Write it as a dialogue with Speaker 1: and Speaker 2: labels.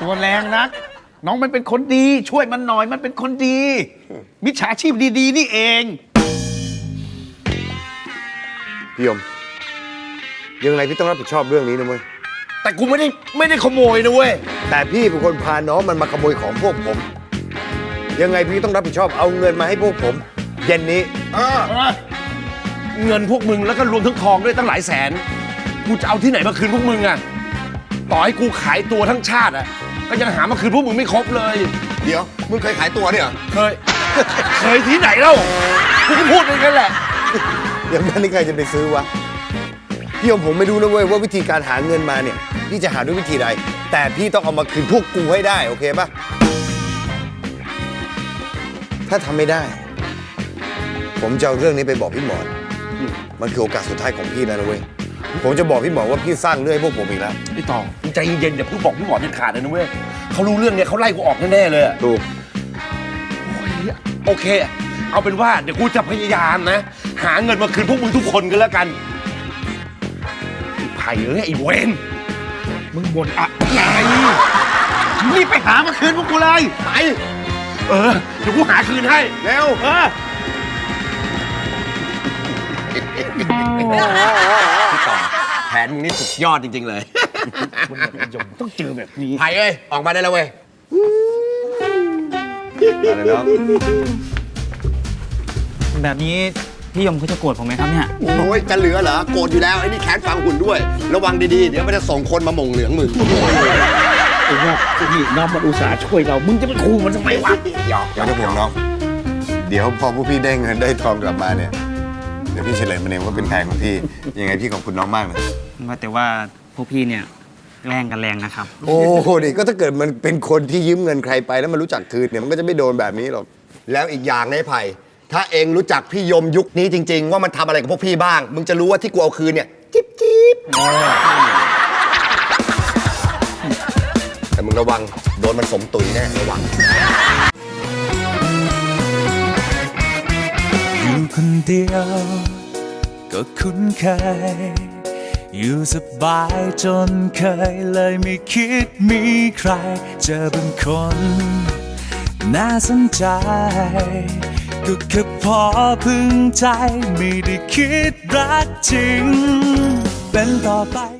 Speaker 1: ตัวแรงนักน้องมันเป็นคนดีช่วยมันหน่อยมันเป็นคนดีมิจฉาชีพดีๆนี่เอง
Speaker 2: พี่ยมยังไงพี่ต้องรับผิดชอบเรื่องนี้นะเว้ย
Speaker 3: แต่กูไม่ได้ขโมยนะเว้ย
Speaker 2: แต่พี่เป็นคนพาน้องมันมาขโมยของพวกผมยังไงพี่ต้องรับผิดชอบเอาเงินมาให้พวกผมเย็นนี้
Speaker 3: เงินพวกมึงแล้วก็รวมทั้งทองด้วยตั้งหลายแสนกูจะเอาที่ไหนมาคืนพวกมึงอะต่อให้กูขายตัวทั้งชาติอะก็ยังหามาคืนพวกมึงไม่ครบเลย
Speaker 4: เดี๋ยวมึงเคยขายตัวเนี่ย
Speaker 3: เคยที่ไหนเล่ากูก็พูดอย่างนั้นแหละ
Speaker 2: อย่างนั้นนี่ใครจะไปซื้อวะพี่ยมผมไม่รู้นะเว้ยว่าวิธีการหาเงินมาเนี่ยพี่จะหาด้วยวิธีใดแต่พี่ต้องเอามาคืนพวกกูให้ได้โอเคปะถ้าทำไม่ได้ผมจะเอาเรื่องนี้ไปบอกพี่หมอนมันคือโอกาสสุดท้ายของพี่นะเว้ยผมจะบอกพี่หมอนว่าพี่สร้างเรื่องให้พวกผมอีกแล้ว
Speaker 3: ไอ้ต่อใจเย็นๆอย่าเพิ่งบอกพี่หมอนเด็ดขาดเลยนะเว้ยเขารู้เรื่องเนี่ยเขาไล่กูออกแน่ๆเลย
Speaker 2: ถูก
Speaker 3: โอเคเอาเป็นว่าเดี๋ยวกูจะพยายามนะหาเงินมาคืนพวกมึงทุกคนกันแล้วกันไอ้ไผ่ไอ้เวน
Speaker 1: มึงบ่นอะไรรีบไปหามาคืนพวกกูเลย
Speaker 3: ไปเดี๋ยวกูหาคืนให้
Speaker 2: เร็ว
Speaker 3: พี่ต่อแผนมึงนี่สุดยอดจริงๆเลย
Speaker 1: คุณยมต้องเจอแบบนี้
Speaker 3: ไผ่ออกมาได้แล้วเว้ย
Speaker 2: อะไรน้อง
Speaker 5: แบบนี้พี่ยมเขาจะโกรธผมไหมครับเนี่ย
Speaker 4: โอ้ยจะเหลือเหรอโกรธอยู่แล้วไอ้นี่แขนฝังหุ่นด้วยระวังดีๆเดี๋ยวมันจะส่งคนมาหม่งเหลืองมึง
Speaker 1: ไอ้ว่านี่น้องมันอุตส่าห์ช่วยเรามึงจะไปขู่มันทำไมวะ
Speaker 2: อย่าจะห่วงน้องเดี๋ยวพอพวกพี่ได้เงินได้ทองกลับมาเนี่ยเดี๋ยวพี่เฉลยมันเองว่าเป็นใครของพี่ยังไงพี่ขอบคุณน้องมากเลย
Speaker 5: แต่ว่าพวกพี่เนี่ยแกล้งกันแรงนะครับ
Speaker 2: โอ้โหนี่ก็ถ้าเกิดมันเป็นคนที่ยืมเงินใครไปแล้วมันรู้จักคืนเนี่ยมันก็จะไม่โดนแบบนี้หรอก
Speaker 4: แล้วอีกอย่างนะไอ้ไผ่ถ้าเองรู้จักพี่ยมยุคนี้จริงๆว่ามันทำอะไรกับพวกพี่บ้างมึงจะรู้ว่าที่กูเอาคืนเนี่ยจิ๊บแต่มึงระวังโดนมันสมตุยแน่ระวัง
Speaker 6: อยู่คนเดียวก็คุ้นเคยอยู่สบายจนเคยเลยไม่คิดมีใครเจอเป็นคนน่าสนใจก็แค่พอพึงใจไม่ได้คิดรักจริงเป็นต่อไป